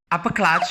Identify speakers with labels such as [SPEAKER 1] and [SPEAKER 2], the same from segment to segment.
[SPEAKER 1] upper clutch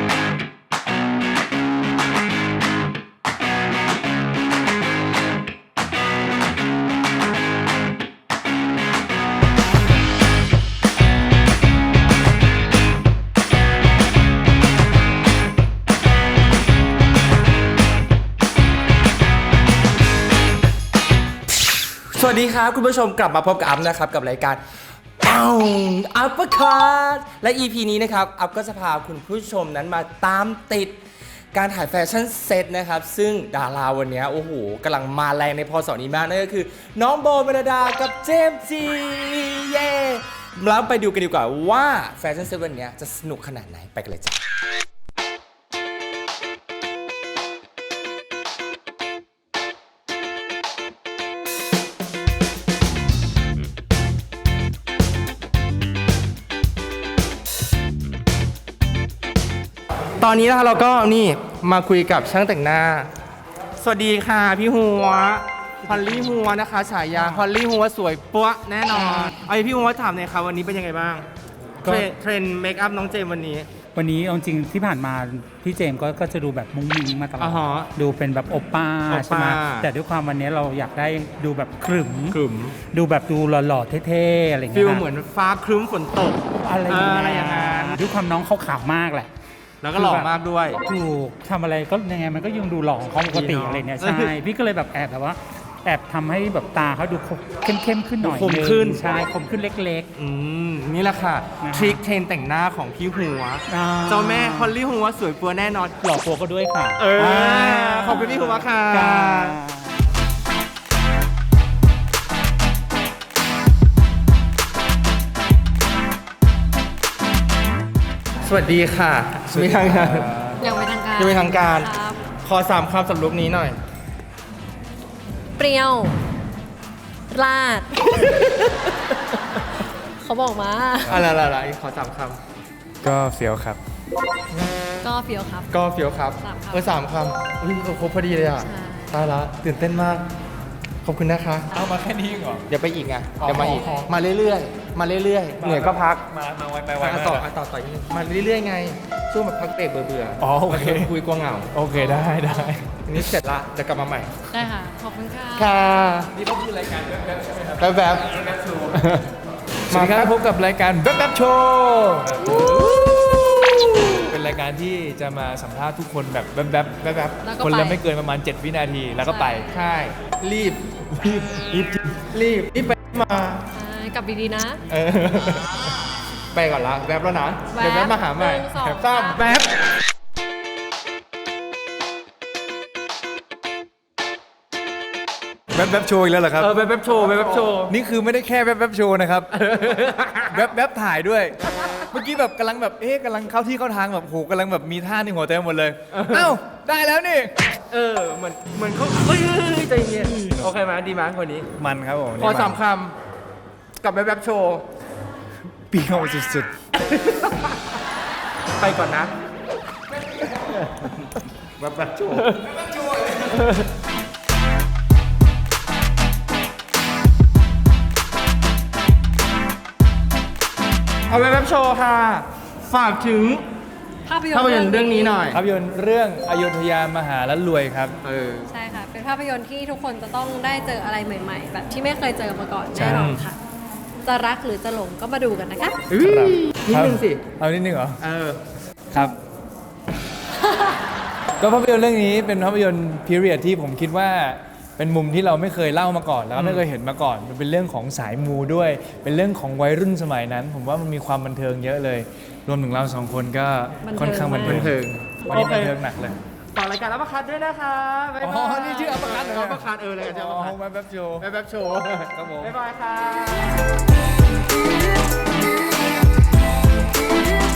[SPEAKER 1] สวัสดีครับคุณผู้ชมกลับมาพบกับอัพนะครับกับรายการอัปเปอร์คัทและ EP นี้นะครับอัพก็จะพาคุณผู้ชมนั้นมาตามติดการถ่ายแฟชั่นเซตนะครับซึ่งดาราวันนี้โอ้โหกำลังมาแรงในพศนี้มากนั่นก็คือน้องโบเมลดากับเจมส์จีเย่แล้วไปดูกันดีกว่าว่าแฟชั่นเซตวันนี้จะสนุกขนาดไหนไปกันเลยจ้ะตอนนี้นะคะเราก็นี่มาคุยกับช่างแต่งหน้าสวัสดีค่ะพี่หัวฮอลลี่หัวนะคะฉายาฮอลลี่หัวสวยปั๊วแน่นอนไอพี่หัวถามหน่อยค่ะวันนี้เป็นยังไงบ้างเทรนเมคอัพน้องเจมวันนี้
[SPEAKER 2] เอาจริงที่ผ่านมาพี่เจมก็จะดูแบบมุ้งมิ้งมาตลอดดูเป็นแบบโอป้าใช่ไหมแต่ด้วยความวันนี้เราอยากได้ดูแบบขรึมดูแบบดูหล่อๆเท่ๆอะไรเงี้ย
[SPEAKER 1] ฟีลเหมือนฟ้าครึ้มฝนตก
[SPEAKER 2] อะไรอย่างนั้นด้วยความน้องเขาขาวมากแหละ
[SPEAKER 1] แล้วก็หล่อมากด้วย
[SPEAKER 2] ถูกทำอะไรก็ยังไงมันก็ยังดูหล่อของเขาปกติอะไรเนี่ยใช่พี่ก็เลยแบบแอบทำให้แบบตาเขาดูเข้มขึ้นหน่อย
[SPEAKER 1] คมขึ้น
[SPEAKER 2] ใช่คมขึ้นเล็ก
[SPEAKER 1] นี่แหละค่ะทริคเทรนแต่งหน้าของพี่หัวเจ้าแม่ฮอลลี่หัวสวยปัวแน่นอน
[SPEAKER 2] หล่อปัวก็ด้วยค่ะ
[SPEAKER 1] ขอบคุณพี่หัวค่ะสวัสดีค่ะไม่ทางการ
[SPEAKER 3] ยังไม่ทางการ
[SPEAKER 1] ยังไม่ทางการขอ3 คำสำหรับลุคนี้หน่อย
[SPEAKER 3] เปรี้ยวราด เขาบอกมา
[SPEAKER 1] อะไรขอ3 ค
[SPEAKER 4] ำก็เฟี้ยวครับ
[SPEAKER 3] ก็เฟี้ยวครับ
[SPEAKER 1] 3 คำครบพอดีเลยอ่ะตายละตื่นเต้นมากขอบคุณนะคะ
[SPEAKER 4] เอามาแค่นี้เหรอ
[SPEAKER 1] เดี๋ยวไปอีกไงเดี๋ยวมาอีกมาเรื่อยๆเหนื่อยก็พัก
[SPEAKER 4] มาไว
[SPEAKER 1] ต่อมาเรื่อยๆไงช่วงแบบพักเบรกเบื่อ
[SPEAKER 4] โอเค
[SPEAKER 1] คุยกลัวเหงา
[SPEAKER 4] โอเคได้
[SPEAKER 1] ทีนี้เสร็จละจะกลับมาใหม่
[SPEAKER 3] ได้ค่ะขอบคุณค่ะ
[SPEAKER 1] นี่ก็คือรายการแว๊บใช่ไหมครับแว๊บโชว์
[SPEAKER 4] มาครับพบกับรายการแว๊บโชว์เป็นรายการที่จะมาสัมภาษณ์ทุกคนแบบแว๊บคนละไม่เกินประมาณ7 วินาทีแล้วก็ไป
[SPEAKER 1] ใช่รีบไปม
[SPEAKER 3] ากลับดีๆนะ
[SPEAKER 1] ไปก่อนละแว๊บแล้วนะเดี๋ยวแว๊บมาหาใหม่แว๊บ
[SPEAKER 4] โชว์อีกแล้วเหรอครับ
[SPEAKER 1] แว๊บโชว์
[SPEAKER 4] นี่คือไม่ได้แค่แว๊บโชว์นะครับแว๊บถ่ายด้วยเมื่อกี้แบบกำลังแบบกำลังเข้าที่เข้าทางแบบโหกำลังแบบมีท่าในหัวเต็มหมดเลยเอ้าได้แล้วนี่
[SPEAKER 1] เหมือนเขาใจเย็นโอเคไหมดีไหมคนนี้
[SPEAKER 4] มันครับผม
[SPEAKER 1] ขอ3 คำกับแว๊บโชว์
[SPEAKER 4] เปรี้ยวสุด
[SPEAKER 1] ๆไปก่อนนะแว๊บโชว์เอาแว๊บโชว์ค่ะฝากถึงภาพยนตร์เรื่องนี้หน่อย
[SPEAKER 4] ภาพยนตร์เรื่องอโยธยามหาและรวยครับ
[SPEAKER 3] ใช่ค่ะเป็นภาพยนตร์ที่ทุกคนจะต้องได้เจออะไรใหม่ๆแบบที่ไม่เคยเจอมาก่อนแน่นอนค่ะจะรักหรือจะหลงก็มาดูกันนะคะ
[SPEAKER 1] นิดนึงสิ
[SPEAKER 4] เอานิดนึงเหรอครับก็ภาพยนตร์เรื่องนี้เป็นภาพยนตร์พีเรียดที่ผมคิดว่าเป็นมุมที่เราไม่เคยเล่ามาก่อนแล้วก็ไม่เคยเห็นมาก่อนมันเป็นเรื่องของสายมูด้วยเป็นเรื่องของวัยรุ่นสมัยนั้นผมว่ามันมีความบันเทิงเยอะเลยรวมถึงเรา2 คนก็ค่อนข้างบันเทิงวันนี้บันเทิงหนักเลย
[SPEAKER 1] ฝากรายการอัปเปอร์คัทด้วยนะคะ
[SPEAKER 4] นี่ชื่ออัปเปอร์คัทเหรอ
[SPEAKER 1] อัปเปอร์คัทรายการชื่ออัปเปอร์คัท
[SPEAKER 4] แว๊บโชว์
[SPEAKER 1] ครับผมบ๊ายบายค่ะ